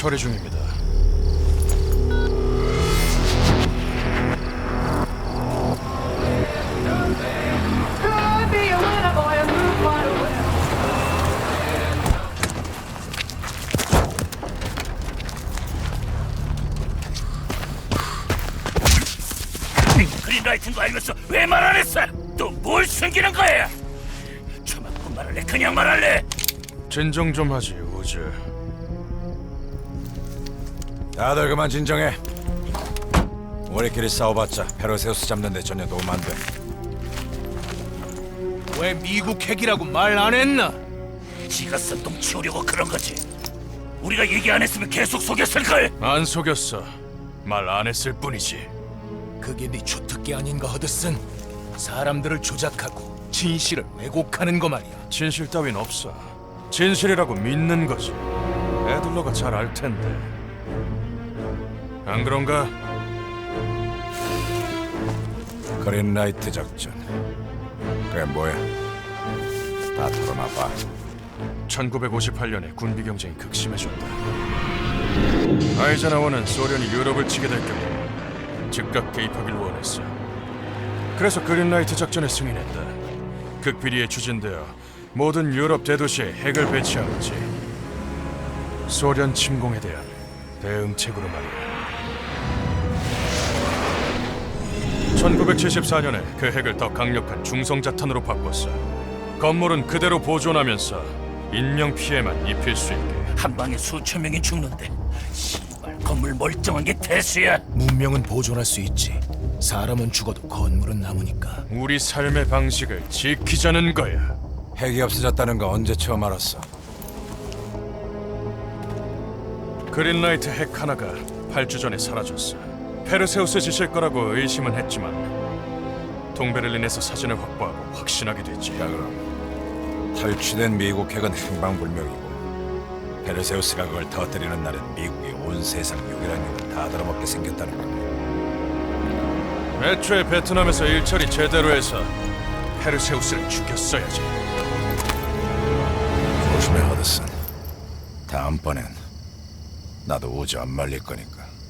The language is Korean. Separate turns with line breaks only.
처리 중입니다.
그린라이트인 거 알면서 왜 말 안 했어? 또 뭘 숨기는 거야? 처맞고 말할래? 그냥 말할래?
진정 좀 하지, 우즈.
다들 그만 진정해. 우리끼리 싸워봤자 페르세우스 잡는데 전혀 도움 안 돼.
왜 미국 핵이라고 말 안 했나?
지가 쓴똥 치우려고 그런 거지. 우리가 얘기 안 했으면 계속 속였을걸.
안 속였어. 말 안 했을 뿐이지.
그게 네 주특기 아닌가, 허드슨? 사람들을 조작하고 진실을 왜곡하는 거 말이야.
진실 따윈 없어. 진실이라고 믿는 거지. 애들러가 잘 알 텐데. 안 그런가?
그린라이트 작전. 그게 뭐야? 다 털어놔봐.
1958년에 군비 경쟁이 극심해졌다. 아이젠하워는 소련이 유럽을 치게 될 경우 즉각 개입하길 원했어. 그래서 그린라이트 작전에 승인했다. 극비리에 추진되어 모든 유럽 대도시에 핵을 배치한 거지. 소련 침공에 대한 대응책으로 말이야. 1974년에 그 핵을 더 강력한 중성자탄으로 바꿨어. 건물은 그대로 보존하면서 인명 피해만 입힐 수 있게.
한 방에 수천 명이 죽는데 씨발 건물 멀쩡한 게 대수야.
문명은 보존할 수 있지. 사람은 죽어도 건물은 남으니까.
우리 삶의 방식을 지키자는 거야.
핵이 없어졌다는 거 언제 처음 알았어?
그린라이트 핵 하나가 8주 전에 사라졌어. 페르세우스 짓일 거라고 의심은 했지만 동베를린에서 사진을 확보하고 확신하게 됐지.
자 그럼 탈취된 미국 핵은 행방불명이고 페르세우스가 그걸 터뜨리는 날엔 미국이 온 세상 유일한 핵을 다 들어먹게 생겼다는 거야.
애초에 베트남에서 일처리 제대로 해서 페르세우스를 죽였어야지.
조심해 허드슨. 다음번엔 나도 우주 안 말릴 거니까.